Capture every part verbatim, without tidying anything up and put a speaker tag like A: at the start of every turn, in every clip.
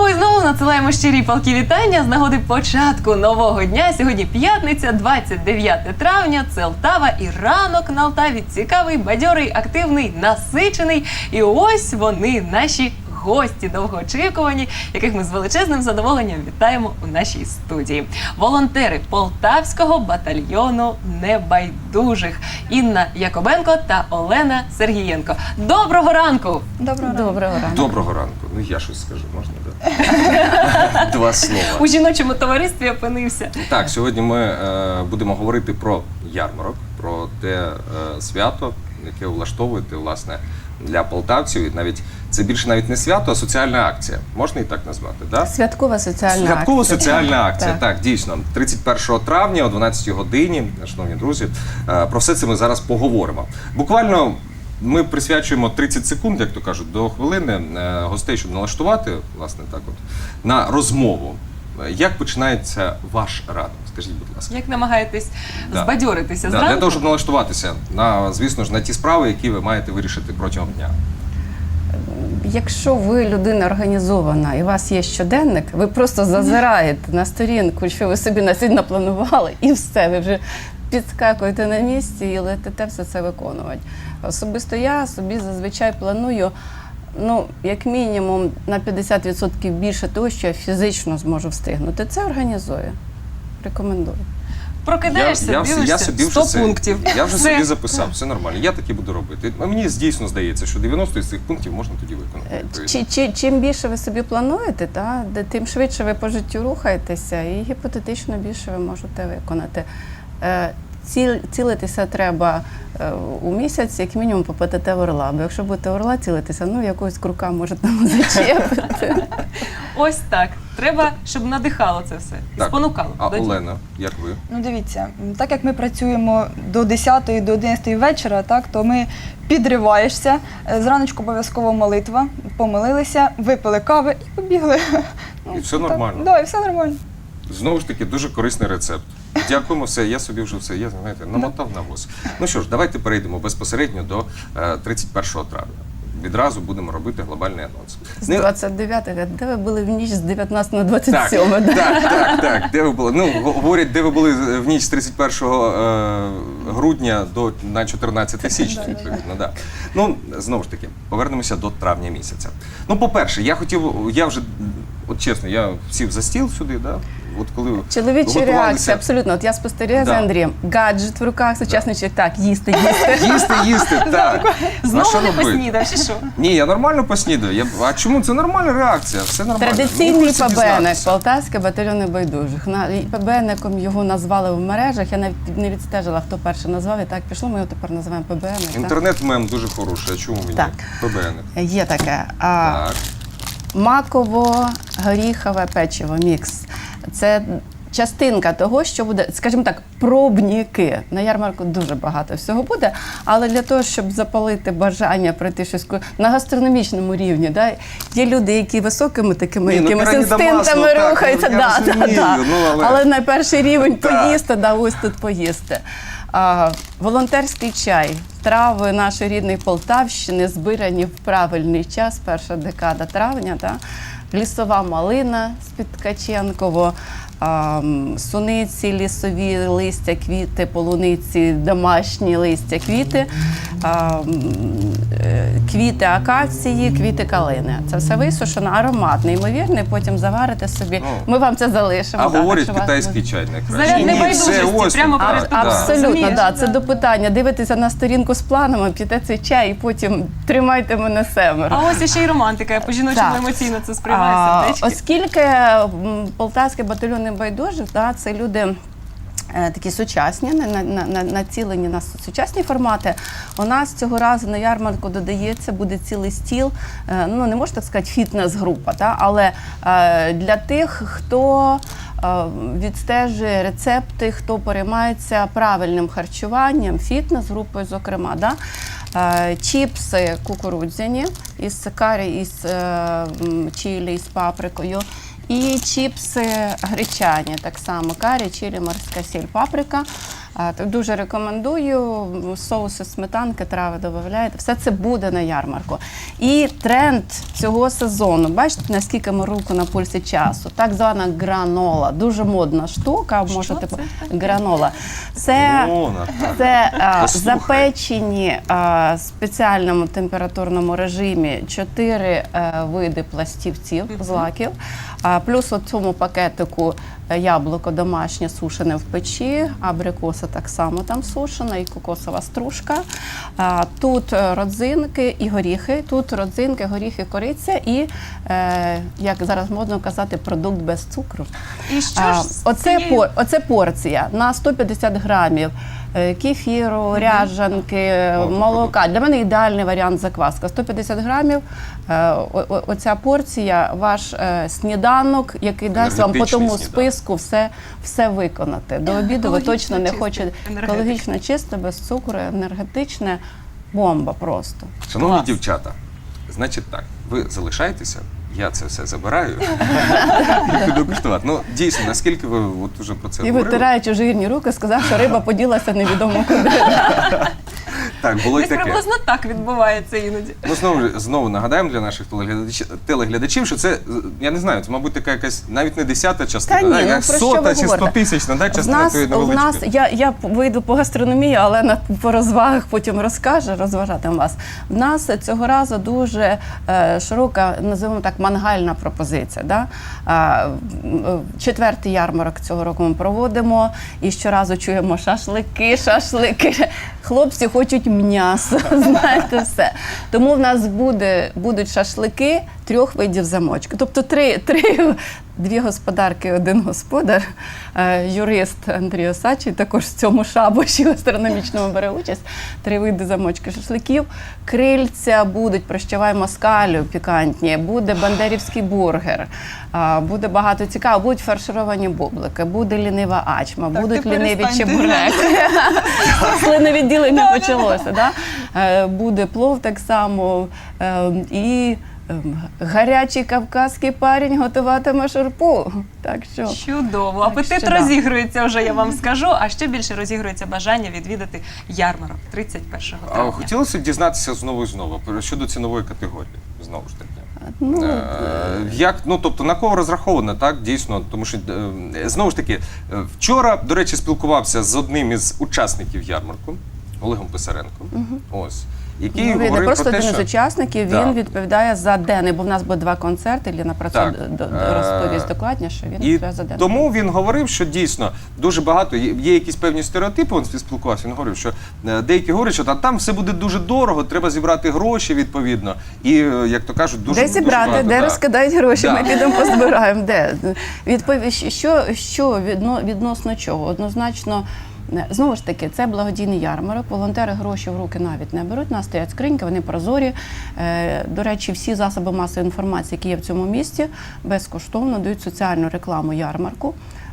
A: Знову і знову надсилаємо щирі палкі вітання з нагоди початку нового дня. Сьогодні п'ятниця, двадцять дев'яте травня, це Лтава і ранок на Лтаві цікавий, бадьорий, активний, насичений. І ось вони, наші гості довгоочікувані, яких ми з величезним задоволенням вітаємо у нашій студії. Волонтери Полтавського батальйону небайдужих Інна Якобенко та Олена Сергієнко. Доброго ранку!
B: Доброго ранку.
C: Доброго ранку.
D: Доброго ранку. Ну я щось скажу, можна, так? Два слова.
A: У жіночому товаристві опинився.
D: Так, сьогодні ми е, будемо говорити про ярмарок, про те е, свято, яке влаштовуєте, власне, для полтавців. І навіть це більше навіть не свято, а соціальна акція. Можна і так назвати, да?
C: Святкова соціальна акція.
D: Святкова соціальна акція,
C: Так.
D: так, дійсно. тридцять першого травня о дванадцятій годині, шановні друзі, е, про все це ми зараз поговоримо. Буквально ми присвячуємо тридцять секунд, як то кажуть, до хвилини е, гостей, щоб налаштувати, власне, так от, на розмову. Як починається ваш ранок? Скажіть, будь ласка.
A: Як намагаєтесь
D: Да.
A: збадьоритися
D: Да,
A: зранку?
D: для того, щоб налаштуватися на, звісно ж, на ті справи, які ви маєте вирішити протягом дня.
C: Якщо ви людина організована і у вас є щоденник, ви просто зазираєте на сторінку, що ви собі на сьогодні напланували, і все, ви вже підскакуєте на місці і летите все це виконувати. Особисто я собі зазвичай планую, ну, як мінімум, на п'ятдесят відсотків більше того, що я фізично зможу встигнути. Це організую. Рекомендую.
A: Прокидаєшся,
D: я,
A: дивишся,
D: я собі
A: сто
D: вже це-
A: пунктів.
D: Я вже
A: Все.
D: собі записав, все нормально, я таки буду робити. А мені дійсно здається, що дев'яносто з цих пунктів можна тоді виконати.
C: Е,
D: відповідно.
C: Чи, чи, чим більше ви собі плануєте, та, де- тим швидше ви по життю рухаєтеся і гіпотетично більше ви можете виконати. Е, Ціл, цілитися треба е, у місяць, як мінімум по ПТТ орла. Бо якщо будете орла цілитися, ну якогось крука може там зачепити.
A: Ось так. Треба, щоб надихало це все. І
D: Так.
A: спонукало.
D: А
A: до дій.
D: Олена, як ви?
B: Ну дивіться, м, так як ми працюємо до десятої, до одинадцятої вечора, так, то ми підриваєшся, е, зраночку обов'язково молитва, помолилися, випили кави і побігли. Ну,
D: І все
B: так,
D: нормально.
B: Да, і все нормально.
D: Знову ж таки, дуже корисний рецепт. Дякуємо, все, я собі вже все, я, знаєте, намотав на вуз. Ну що ж, давайте перейдемо безпосередньо до е, тридцять першого травня. Відразу будемо робити глобальний анонс.
C: З
D: Не-
C: двадцять дев'ятого, де ви були в ніч з дев'ятнадцятого на двадцять
D: Так,
C: сьоме?
D: так, так, так, де ви були? Ну, го- говорять, де ви були в ніч з тридцять першого е, грудня до на чотирнадцяте січня, відповідно, да. Ну, знову ж таки, повернемося до травня місяця. Ну, по-перше, я хотів, я вже, от чесно, я сів за стіл сюди, да, от коли
C: Чоловіча
D: готувалися-
C: реакція, абсолютно. От я спостерігаю
D: Да.
C: за Андрієм. Гаджет в руках, сучасний чоловік. Так, їсти, їсти.
D: Їсти, їсти, так. А що
A: Знову не
D: робити?
A: поснідав, чи що?
D: Ні, я нормально поснідаю. Я... А чому? Це нормальна реакція, все нормально.
C: Традиційний
D: Ну, хочеться
C: ПБНник,
D: дізнатися.
C: Полтавський батальйон небайдужих. На- і ПБНником його назвали в мережах. Я навіть не відстежила, хто перший назвав. І так пішло, ми його тепер називаємо ПБНник. так?
D: Інтернет-мем дуже хороший, а чому мені?
C: Так.
D: ПБН.
C: Є таке. А,
D: Так.
C: маково-горіхове печиво, мікс. Це частинка того, що буде, скажімо так, пробніки. На ярмарку дуже багато всього буде, але для того, щоб запалити бажання пройти щось ку- на гастрономічному рівні, да, є люди, які високими такими
D: Ні, ну,
C: якимись
D: піраміда
C: інстинктами
D: масла, так,
C: рухаються.
D: я
C: да,
D: розумію,
C: да, да.
D: ну, але-
C: але на перший рівень
D: Так.
C: поїсти, да, ось тут поїсти. А, волонтерський чай, трави нашої рідної Полтавщини, збирані в правильний час, перша декада травня, да? Лісова малина з-під Ткаченково, а, м, суниці, лісові листя, квіти, полуниці, домашні листя, квіти, а, м, е, квіти акації, квіти калини. Це все висушено, аромат неймовірний, потім заварите собі.
D: Ну.
C: Ми вам це залишимо.
D: А
C: да,
D: говорять
C: так що вас
D: китайський
C: не-
D: чай найкраще.
A: Заряд
D: Ні,
A: небайдужості,
D: це ось
A: прямо
D: тут,
A: перед
D: так,
A: тобою.
D: так.
C: Абсолютно,
A: Розумієш?
C: да. Це до питання. Дивитеся на сторінку з планами, п'єте цей чай і потім тримайте мене семеро.
A: А ось іще й романтика. Я по-жіночому
C: Так.
A: емоційно це сприймаю,
C: А,
A: сердечки.
C: Оскільки м, Полтавський батальйон небайдужих, да, це люди е, такі сучасні, на- на- на- на- націлені на сучасні формати. У нас цього разу на ярмарку додається, буде цілий стіл, е, ну не можна так сказати, фітнес-група, та, але е, для тих, хто е, відстежує рецепти, хто переймається правильним харчуванням, фітнес-групою, зокрема, да, е, чіпси кукурудзяні із карі, із е, м, чилі, із паприкою. І чіпси гречані, так само карі, чилі, морська сіль, паприка. А, так дуже рекомендую. Соуси, сметанки, трави додаєте. Все це буде на ярмарку. І тренд цього сезону. Бачите, наскільки ми руку на пульсі часу. Так звана гранола. Дуже модна штука.
A: Що
C: Можете
A: це
C: по-
A: таке?
C: гранола. Це,
D: Вона, так.
C: це а,
D: Послухай.
C: запечені а, в спеціальному температурному режимі чотири а, види пластівців, злаків. А, плюс у цьому пакетику е, яблуко домашнє сушене в печі, абрикоса так само там сушена, і кокосова стружка. А, тут е, родзинки і горіхи. Тут родзинки, горіхи, кориця і, е, як зараз модно казати, продукт без цукру.
A: І що
C: А,
A: ж з
C: оце,
A: цією-
C: по, оце порція на сто п'ятдесят грамів е, кефіру, ряжанки,
D: О,
C: молока. Для мене ідеальний варіант закваска. сто п'ятдесят грамів. е, о- о- Оця порція, ваш е, сніданок, який дасть вам по
D: Енергетичний
C: тому
D: сніданок.
C: списку все, все виконати. До обіду ви
A: Екологічно
C: точно не
A: чисте,
C: хочете.
A: енергетика.
C: Екологічно чисте, без цукру, енергетичне. Бомба просто.
D: Шановні
C: Клас.
D: дівчата, значить так, ви залишайтеся, я це все забираю і піду куштувати. Ну, дійсно, наскільки ви от уже про це
C: І
D: говорили.
C: витираючи жирні руки, сказав, що риба поділася невідомо куди.
D: Так, було й
A: Десь
D: таке.
A: приблизно так відбувається іноді.
D: Ну, знову, ж- знову нагадаємо для наших телеглядачів, телеглядачів, що це, я не знаю, це, мабуть, така якась, навіть не десята частина,
C: Та ні,
D: да,
C: ну,
D: якась
C: про що
D: сота
C: ви
D: чи
C: говорите?
D: стотисячна, да,
C: В
D: частина
C: нас,
D: тої
C: у нас
D: невеличкої.
C: я, я вийду по гастрономії, але на по розвагах потім розкажу, розважатиму вас. В нас цього разу дуже е, широка, називаємо так, мангальна пропозиція. Да? А, м, е, четвертий ярмарок цього року ми проводимо і щоразу чуємо шашлики, шашлики. Хлопці хочуть м'ясо, знаєте все. Тому в нас буде, будуть шашлики трьох видів замочки. Тобто три, три, дві господарки, один господар, е, юрист Андрій Осадчий, також в цьому шабаші гастрономічному бере участь. Три види замочки шашликів. Крильця будуть, прощавай москалю пікантні, буде бандерівський бургер, а, буде багато цікавого, будуть фаршировані бублики, буде лінива ачма,
B: Так,
C: будуть
B: ти
C: ліниві
B: перестань, ти
C: чебуреки. Слиновідділення почалося, да? Е, буде плов так само е, і ем, гарячий кавказький парень готуватиме шурпу. Так що
A: Чудово. Апетит
C: що да.
A: розігрується вже, я вам скажу. А ще більше розігрується бажання відвідати ярмарок тридцять першого
D: А
A: травня.
D: хотілося б дізнатися знову і знову про- щодо цінової категорії, знову ж таки.
C: ну,
D: Е, Як, ну, тобто, на кого розраховано, так, дійсно, тому що, е, знову ж таки, е, вчора, до речі, спілкувався з одним із учасників ярмарку, Олегом Писаренком, ось, який
C: ну, він не
D: говорив
C: просто
D: про те,
C: один
D: що...
C: з учасників,
D: Да.
C: він відповідає за денний, бо в нас буде два концерти, Ліна про це
D: Так.
C: д- д-
D: Е,
C: розповість докладніше, він
D: І
C: відповідає за денний.
D: тому він говорив, що дійсно дуже багато, є, є якісь певні стереотипи, він спілкувався, він говорив, що е, деякі говорять, що та, там все буде дуже дорого, треба зібрати гроші відповідно, і, е, як то кажуть, дуже,
C: Де
D: дуже
C: зібрати,
D: багато,
C: де
D: да.
C: розкидають гроші,
D: Да.
C: ми підемо позбираємо. Де? Відповідь, що, що відно, відносно чого? Однозначно, знову ж таки, це благодійний ярмарок, волонтери гроші в руки навіть не беруть, у нас стоять скриньки, вони прозорі. Е, До речі, всі засоби масової інформації, які є в цьому місті, безкоштовно дають соціальну рекламу ярмарку.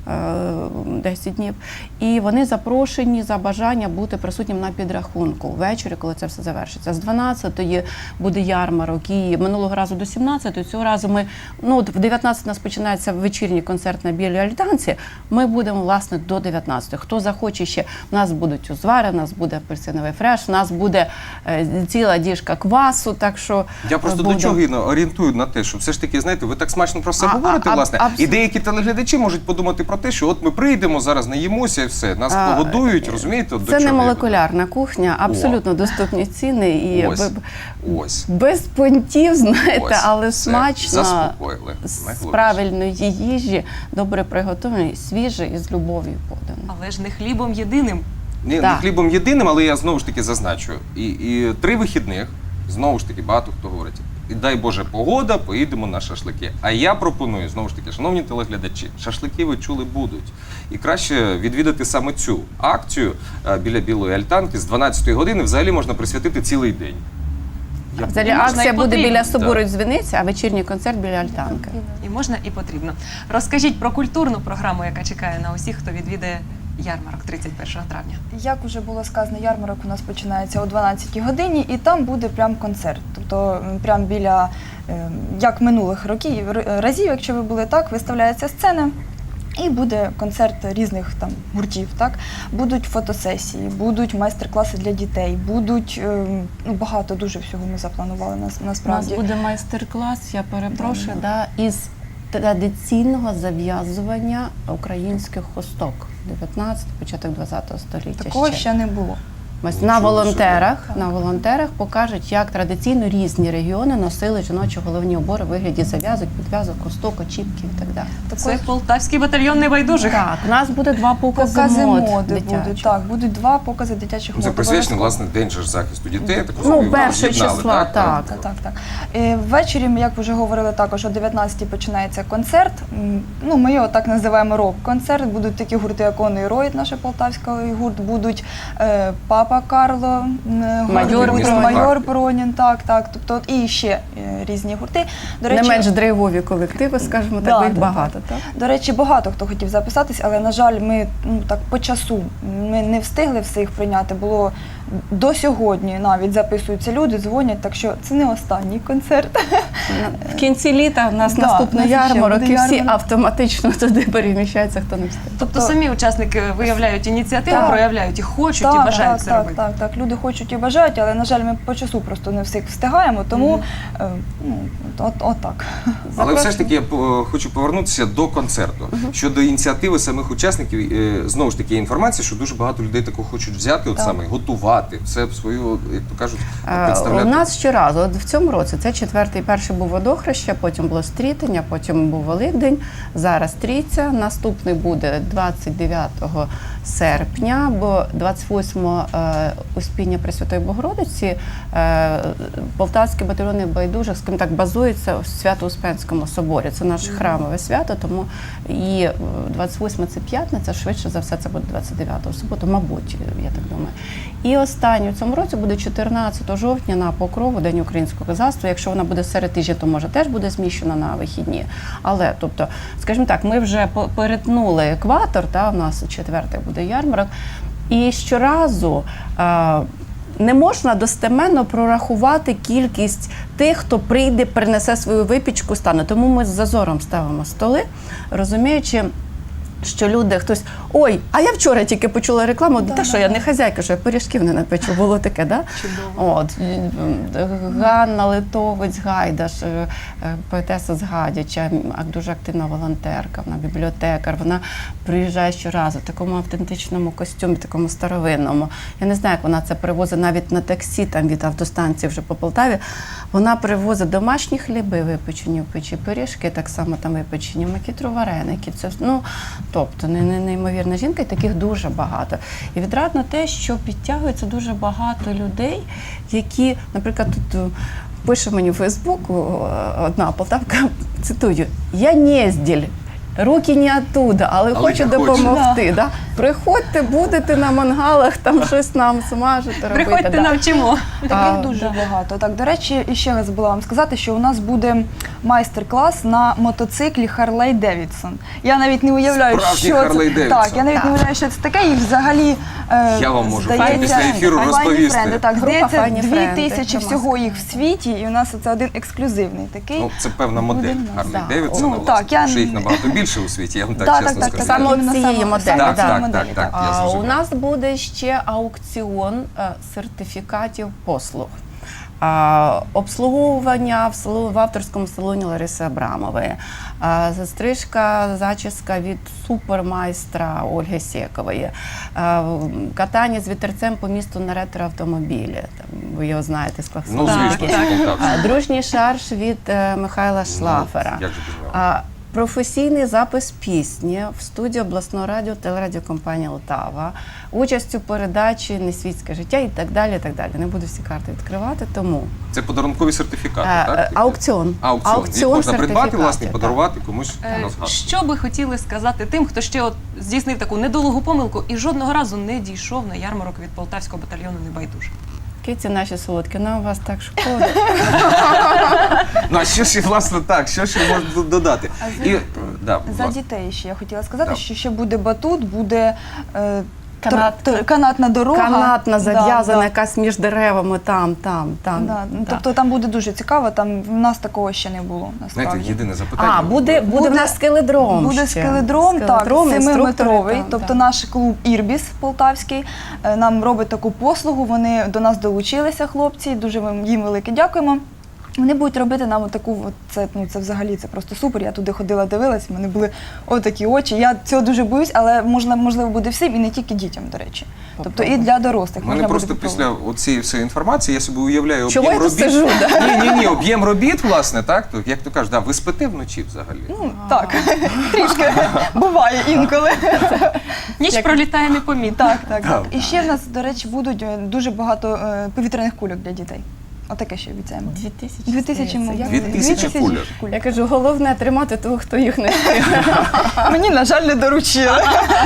C: десять днів. І вони запрошені за бажання бути присутнім на підрахунку ввечері, коли це все завершиться. З дванадцятої буде ярмарок, і минулого разу до сімнадцятої, цього разу ми, ну, от в дев'ятнадцятій у нас починається вечірній концерт на Білій Альтанці, ми будемо, власне, до дев'ятнадцятої. Хто захоче ще, у нас будуть узвари, у нас буде апельсиновий фреш, у нас буде е, ціла діжка квасу, так що
D: Я просто
C: буде.
D: до чого Інна, орієнтую на те, що все ж таки, знаєте, ви так смачно про це
C: А,
D: говорите,
C: а, а,
D: власне, і
C: абсолютно.
D: деякі телеглядачі можуть подумати про те, що от ми прийдемо, зараз наїмося і все, нас
C: А,
D: погодують, розумієте? От до
C: Це не
D: чого я
C: молекулярна кухня, абсолютно доступні ціни і
D: Ось.
C: б-
D: Ось.
C: без понтів, знаєте,
D: Ось.
C: але
D: Все.
C: смачно,
D: Заспокоїли.
C: з
D: Найголовніше.
C: правильної їжі, добре приготованої, свіже і з любов'ю подано.
A: Але ж не хлібом єдиним.
D: Ні, не
C: Так.
D: хлібом єдиним, але я знову ж таки зазначу. І, і три вихідних, знову ж таки, багато хто говорить, і дай Боже погода, поїдемо на шашлики. А я пропоную, знову ж таки, шановні телеглядачі, шашлики ви чули будуть. І краще відвідати саме цю акцію е, біля Білої Альтанки з дванадцятої години, взагалі можна присвятити цілий день. Я
C: Взагалі
A: можна
C: акція
A: і
C: буде
A: потрібно.
C: біля собору
D: Так.
C: Дзвіниці, а вечірній концерт біля Альтанки.
A: І можна, і потрібно. Розкажіть про культурну програму, яка чекає на усіх, хто відвідає ярмарок тридцять першого травня.
B: Як вже було сказано, ярмарок у нас починається о дванадцятій годині, і там буде прям концерт. Тобто м, прям біля, е, як минулих років, р- разів, якщо ви були так, виставляється сцена. І буде концерт різних там гуртів, так? Будуть фотосесії, будуть майстер-класи для дітей, будуть е, ну, багато дуже всього ми запланували нас,
C: У нас
B: насправді.
C: буде майстер-клас, я перепрошую,
B: Да,
C: да, із традиційного зав'язування українських хусток. дев'ятнадцятого, початок двадцятого століття.
B: Такого ще не було.
C: Ось
D: Нічого
C: на
D: собі.
C: волонтерах,
B: Так.
C: на волонтерах покажуть, як традиційно різні регіони носили жіночі головні убори у вигляді зав'язок, підв'язок, хусток, очіпків і так далі.
A: Це полтавський батальйон небайдужих.
C: Так, у нас буде два покази,
B: Покази
C: мод
B: моди
C: дитячих.
B: будуть. Так, будуть два покази дитячих
D: Ну, Це
B: мод.
D: присвячено,
B: обов'язково.
D: власне, День же ж захисту дітей. Я так
C: Ну,
D: розумію,
C: першого
D: об'єднали,
C: числа, так.
B: Так, так, так. Е, Ввечері, як вже говорили також, о дев'ятнадцятій починається концерт. М, Ну, ми його так називаємо рок-концерт. Будуть такі гурти, як Онний Ройд, наш полтавський гурт, будуть е, Папа Карло, м,
C: Майор
B: гурт
C: Пронін.
B: Майор Пронін, так, так. Тобто, от і ще е, різні гурти. До
C: Не менш драйвові колективи, скажімо так,
B: Да,
C: бо їх
B: да,
C: багато, так?
B: До речі, багато хто хотів записатись, але, на жаль, ми ну, так по часу ми не встигли всіх прийняти. Було до сьогодні навіть записуються люди, дзвонять, так що це не останній концерт.
C: В кінці літа в нас
B: Да,
C: наступний
B: в нас ще
C: ярмарок,
B: буде
C: і всі
B: ярмарок.
C: автоматично туди переміщаються, хто не встиг.
A: Тобто самі учасники виявляють ініціативу,
B: Так.
A: проявляють і хочуть, і
B: Так,
A: бажають
B: так,
A: це
B: так,
A: робити.
B: так, так. Люди хочуть і бажають, але, на жаль, ми по часу просто не всіх встигаємо, тому е, ну, от, от так.
D: Але все ж таки я по- хочу повернутися до концерту. Щодо ініціативи самих учасників, е, знову ж таки є інформація, що дуже багато людей такого хочуть взяти, от
B: Так.
D: саме готувати, все свою, як то кажуть,
C: Е,
D: представляти.
C: У нас щоразу, от в цьому році, це четвертий, перший був водохреща, потім було стрітення, потім був Великдень, зараз трійця, наступний буде двадцять дев'ятого серпня, бо двадцять восьмого е, Успіння Пресвятої Богородиці, е, Полтавський батальйон небайдужих, скажімо так, базується в Свято-Успенському соборі. Це наше храмове свято, тому і е, двадцять восьме це п'ятниця, швидше за все це буде двадцять дев'ятого суботу, мабуть, я так думаю. І останній у цьому році буде чотирнадцятого жовтня на Покрову, День українського козацтва. Якщо вона буде серед тижня, то може теж буде зміщена на вихідні. Але, тобто, скажімо так, ми вже по- перетнули екватор, та, у нас четвертий буде ярмарок, і щоразу е, не можна достеменно прорахувати кількість тих, хто прийде, принесе свою випічку, стане. Тому ми з зазором ставимо столи, розуміючи, що люди, хтось, ой, а я вчора тільки почула рекламу,
B: Да,
C: та
B: да,
C: що, я
B: да.
C: не хазяйка, що я пиріжків не напечу, було таке, да? От, Ганна Литовець Гайдаш, е, е, поетеса з Гадяча, м, ак- дуже активна волонтерка, вона бібліотекар, вона приїжджає щоразу в такому автентичному костюмі, такому старовинному. Я не знаю, як вона це привозить навіть на таксі, там від автостанції вже по Полтаві. Вона привозить домашні хліби, випечені в печі, пиріжки, так само там випечені, макітру вареники. Це, ну, тобто, не, не, неймовірна жінка, і таких дуже багато. І відрадно те, що підтягується дуже багато людей, які, наприклад, тут е, пише мені в Фейсбуку е, одна полтавка, цитую, «Я незділь, руки не оттуда, але,
D: Але
C: хочу
D: я хочу».
C: допомогти». Да. Приходьте, будете на мангалах, там щось нам смажити, робити.
A: Приходьте,
C: да.
A: навчимо.
B: Таких
C: А,
B: дуже
C: да.
B: багато. Так, до речі, і ще забула вам сказати, що у нас буде майстер-клас на мотоциклі Харлей Девідсон. Я навіть не уявляю,
D: Справжній
B: що
D: Харлей
B: це.
D: Девідсон.
B: Так, я навіть
C: Так.
B: не уявляю, що це таке. І взагалі е,
D: Я вам можу
B: здається,
D: після ефіру
B: «Файні
D: розповісти».
B: френди». Так,
C: Група
B: здається,
C: «Файні
B: дві
C: френди»,
B: тисячі
C: це
B: всього
C: маска.
B: їх в світі, і у нас це один ексклюзивний такий.
D: Ну, це певна модель
B: Буде,
D: Харлі
C: да.
D: Девідсона,
B: Ну,
D: власне,
B: так, я-
D: тому що їх набагато більше у світі, я вам так
B: Так,
D: чесно
B: так, так,
D: скажу.
B: так.
C: Саме
B: Іменно
C: цієї
B: саме-
C: моделі,
B: саме
D: Так,
B: цієї
D: так,
B: моделі,
D: так, так. Я
C: А, у
D: зрозумів.
C: нас буде ще аукціон е, сертифікатів послуг. А, обслуговування в, салу- в авторському салоні Лариси Абрамової, а, стрижка, зачіска від супермайстра Ольги Сєкової, а, катання з вітерцем по місту на ретроавтомобілі. Там, ви його знаєте з
D: Ну,
C: Клаксона.
D: звісно,
A: Так,
D: з Полтавщини.
C: А, Дружній шарж від е, Михайла Шлафера.
D: Ну, як же без нього?
C: А, професійний запис пісні в студії обласного радіо телерадіокомпанії «Лтава», участь у передачі «Несвітське життя» і так далі, і так далі. Не буду всі карти відкривати, тому
D: Це подарункові сертифікати,
C: Е,
D: так?
C: е, аукціон.
D: Аукціон. Їх
C: Аукціон
D: можна придбати,
C: сертифікатів,
D: власне, і
C: так.
D: подарувати комусь
A: Е,
D: на згадку.
A: Що би хотіли сказати тим, хто ще от здійснив таку недолугу помилку і жодного разу не дійшов на ярмарок від полтавського батальйону небайдужих?
C: Киці наші солодкі, нам вас так шкода.
D: Ну, а що ж, власне, так, що ж я можу додати?
B: А за-
D: І, да,
B: За
D: власне.
B: дітей ще я хотіла сказати,
D: Да.
B: що ще буде батут, буде е,
C: Канат.
B: тор- тор- канатна дорога.
C: Канатна,
B: Да,
C: зав'язана,
B: да.
C: якась між деревами, там, там, там.
B: Да. Ну,
C: Да.
B: Тобто там буде дуже цікаво, там в нас такого ще не було, насправді.
D: Знаєте, єдине запитання.
C: А, буде, буде,
B: Буде-
C: в нас скеледром
B: Буде
C: ще.
B: скеледром, так,
C: Скеледром,
B: семиметровий.
C: інструктори там,
B: Тобто
C: да.
B: наш клуб Ірбіс Полтавський е, нам робить таку послугу. Вони до нас долучилися, хлопці. Дуже ми їм велике дякуємо. Вони будуть робити нам таку, от це, ну, це взагалі це просто супер. Я туди ходила, дивилась, в мене були отакі очі. Я цього дуже боюсь, але можна, можливо буде всім і не тільки дітям, до речі. Тобто і для дорослих.
D: У мене
B: можна
D: просто
B: буде
D: після оцієї всієї інформації я собі уявляю
C: Чого
D: об'єм
C: я тут
D: робіт.
C: сижу, да?
D: Ні, ні, ні, об'єм робіт, власне, так? То, як то кажуть, да, ви спите вночі взагалі.
B: Ну, так, трішки буває інколи.
A: Ніч
C: Як-
A: пролітає непомітно.
B: Так, так,
D: Да.
B: так. І ще в нас, до речі, будуть е, дуже багато е, повітряних кульок для дітей. Отаке ще обіцяємо.
C: Дві тисячі.
B: Дві тисячі,
C: здається.
B: мабуть.
C: Я-
D: Дві тисячі кульок.
C: Я кажу, головне тримати того, хто їх не встиг.
B: Мені, на жаль, не доручили.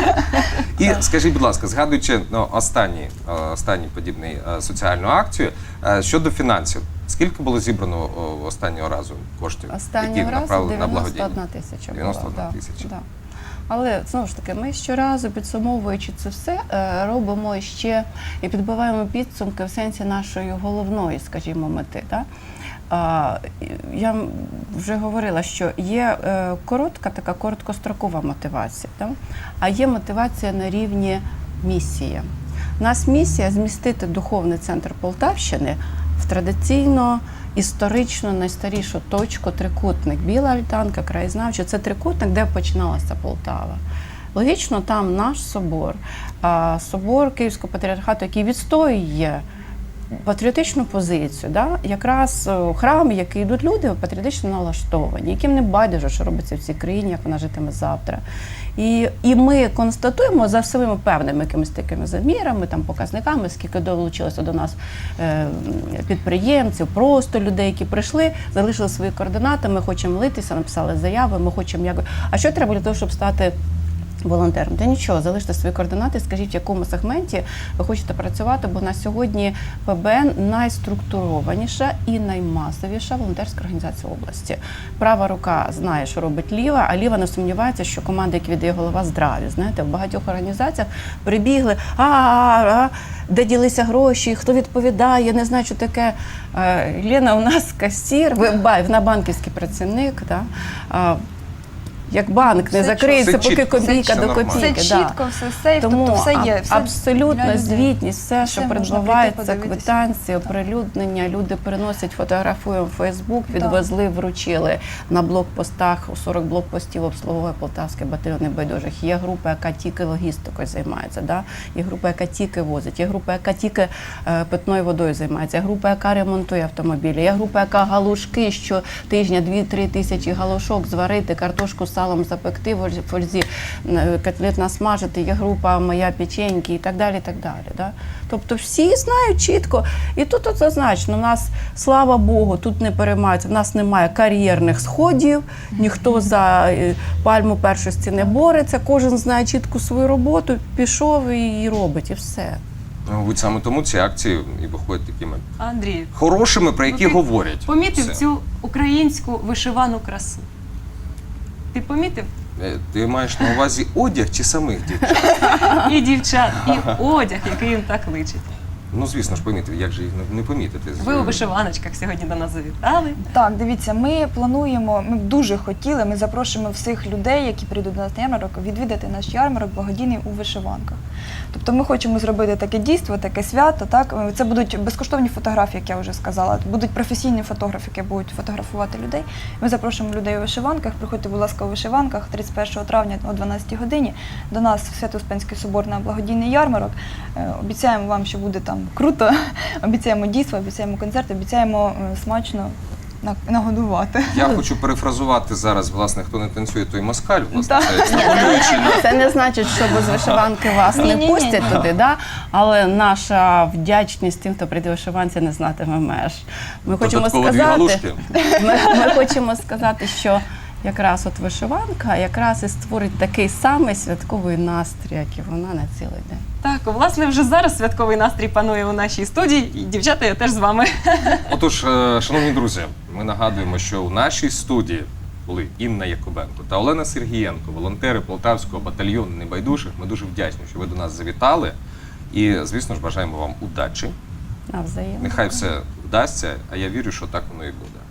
D: І скажіть, будь ласка, згадуючи ну, останній, е, останній подібний е, соціальну акцію, е, щодо фінансів, скільки було зібрано о, останнього разу коштів,
C: Останнього
D: які
C: разу
D: направили на
C: дев'яносто
D: благодійність?
C: одна тисяча була.
D: дев'яносто одна
C: да,
D: тисяча.
C: да. Але знову ж таки, ми щоразу підсумовуючи це все, е, робимо ще і підбиваємо підсумки в сенсі нашої головної, скажімо, мети. Да? А, я м- вже говорила, що є е, коротка, така короткострокова мотивація, да? А є мотивація на рівні місії. У нас місія змістити духовний центр Полтавщини в традиційно історично найстарішу точку трикутник. Біла альтанка, краєзнавча – це трикутник, де починалася Полтава. Логічно, там наш собор, а, собор Київського патріархату, який відстоює патріотичну позицію, да? Якраз е, храм, в який йдуть люди, патріотично налаштовані, яким не байдуже, що робиться в цій країні, як вона житиме завтра. І, і ми констатуємо за своїми певними якимись такими замірами, там, показниками, скільки долучилося до нас е, підприємців, просто людей, які прийшли, залишили свої координати, ми хочемо молитися, написали заяви, ми хочемо як. А що треба для того, щоб стати волонтером? Та нічого, залиште свої координати, скажіть, в якому сегменті ви хочете працювати, бо на сьогодні ПБН найструктурованіша і наймасовіша волонтерська організація області. Права рука знає, що робить ліва, а ліва не сумнівається, що команда, яку віддає голова, здраві. Знаєте, в багатьох організаціях прибігли, а, а, а де ділися гроші, хто відповідає, не знаю, що таке. Е, Лена у нас касір, ви- ба- вона банківський працівник, да? А, як банк не
B: Все
C: закриється,
D: чітко.
C: поки
D: Все
C: копійка
D: чітко,
C: до
D: нормально.
C: копійки.
B: Все
C: да.
B: чітко, все сейф,
C: Тому
B: тобто все є.
C: аб-
B: Все
C: абсолютна
B: для людей.
C: звітність, все,
B: Все
C: що
B: можна
C: передбувається,
B: прийти, подивитися.
C: квитанції, оприлюднення, люди переносять, фотографуємо в Фейсбук, відвезли, вручили на блокпостах, у сорок блокпостів обслуговує Полтавський батальйон небайдужих. Є група, яка тільки логістикою займається, да? Є група, яка тільки возить, є група, яка тільки е, питною водою займається, є група, яка ремонтує автомобілі, є група, яка галушки щотижня, дві-три тисячі галушок зварити, картошку з салом запекти, в фользі е, котлет насмажити, є група моя печеньки і так далі. І так далі да? Тобто всі знають чітко. І тут от зазначено, у нас, слава Богу, тут не переймаються, в нас немає кар'єрних сходів, ніхто за е, пальму першості не бореться, кожен знає чітко свою роботу, пішов і її робить, і все.
D: Мабуть, саме тому ці акції і виходять такими
A: Андрію,
D: хорошими, про які
A: Ну, ти
D: говорять.
A: помітив
D: Все.
A: цю українську вишивану красу? Ти помітив?
D: Е, Ти маєш на увазі одяг чи самих дівчат?
A: І дівчат, і одяг, який їм так личить.
D: Ну, звісно ж, помітив, як же їх не- не помітити.
A: Ви у вишиваночках сьогодні до нас завітали.
B: Так, дивіться, ми плануємо, ми б дуже хотіли, ми запрошуємо всіх людей, які прийдуть до нас на ярмарок, відвідати наш ярмарок благодійний у вишиванках. Тобто ми хочемо зробити таке дійство, таке свято. Так? Це будуть безкоштовні фотографії, як я вже сказала. Будуть професійні фотографи, які будуть фотографувати людей. Ми запрошуємо людей у вишиванках. Приходьте, будь ласка, у вишиванках тридцять першого травня о дванадцятій годині до нас в Свято-Успенський собор на благодійний ярмарок. Е, Обіцяємо вам, що буде там круто. Обіцяємо дійство, обіцяємо концерт, обіцяємо е, смачно на- нагодувати.
D: Я хочу перефразувати зараз, власне, хто не танцює, той москаль, власне,
B: Так.
D: це екстраполюючи на
C: Це не значить, що без вишиванки вас не
B: Ні-ні-ні.
C: пустять туди, да? Але наша вдячність тим, хто прийде в вишиванці, не знатиме меж. Ми хочемо
D: додатково дві
C: сказати,
D: галушки.
C: ми, ми хочемо сказати, що якраз от вишиванка якраз і створить такий самий святковий настрій, як і вона на цілий день.
A: Так, власне, вже зараз святковий настрій панує у нашій студії. І дівчата, я теж з вами.
D: Отож, е, шановні друзі, ми нагадуємо, що у нашій студії були Інна Якубенко та Олена Сергієнко, волонтери Полтавського батальйону небайдужих. Ми дуже вдячні, що ви до нас завітали. І, звісно ж, бажаємо вам удачі.
C: Навзаєм.
D: Нехай все вдасться, а я вірю, що так воно і буде.